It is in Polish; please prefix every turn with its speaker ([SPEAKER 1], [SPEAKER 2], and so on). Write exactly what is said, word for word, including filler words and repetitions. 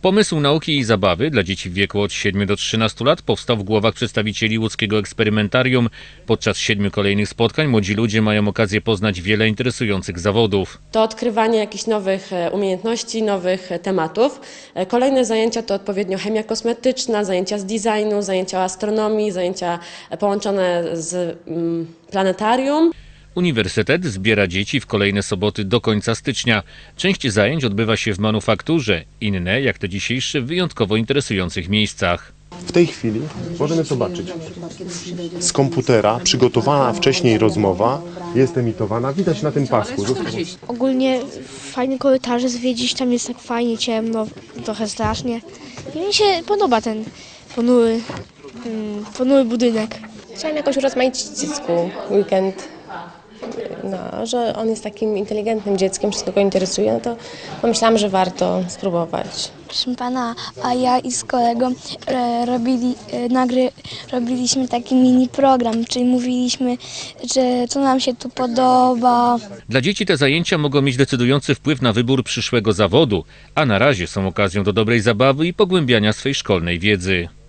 [SPEAKER 1] Pomysł nauki i zabawy dla dzieci w wieku od siedmiu do trzynastu lat powstał w głowach przedstawicieli łódzkiego eksperymentarium. Podczas siedmiu kolejnych spotkań młodzi ludzie mają okazję poznać wiele interesujących zawodów.
[SPEAKER 2] To odkrywanie jakichś nowych umiejętności, nowych tematów. Kolejne zajęcia to odpowiednio chemia kosmetyczna, zajęcia z designu, zajęcia o astronomii, zajęcia połączone z planetarium.
[SPEAKER 1] Uniwersytet zbiera dzieci w kolejne soboty do końca stycznia. Część zajęć odbywa się w manufakturze, inne, jak te dzisiejsze, w wyjątkowo interesujących miejscach.
[SPEAKER 3] W tej chwili możemy zobaczyć, z komputera przygotowana wcześniej rozmowa jest emitowana, widać na tym pasku.
[SPEAKER 4] Ogólnie fajne korytarze zwiedzić, tam jest tak fajnie, ciemno, trochę strasznie. I mi się podoba ten ponury, ponury budynek.
[SPEAKER 5] Chciałam jakoś urozmaicić dziecku weekend, no, że on jest takim inteligentnym dzieckiem, wszystko go interesuje, no to pomyślałam, że warto spróbować.
[SPEAKER 6] Proszę pana, a ja i z kolegą e, robili, e, nagry, robiliśmy taki mini program, czyli mówiliśmy, że co nam się tu podoba.
[SPEAKER 1] Dla dzieci te zajęcia mogą mieć decydujący wpływ na wybór przyszłego zawodu, a na razie są okazją do dobrej zabawy i pogłębiania swej szkolnej wiedzy.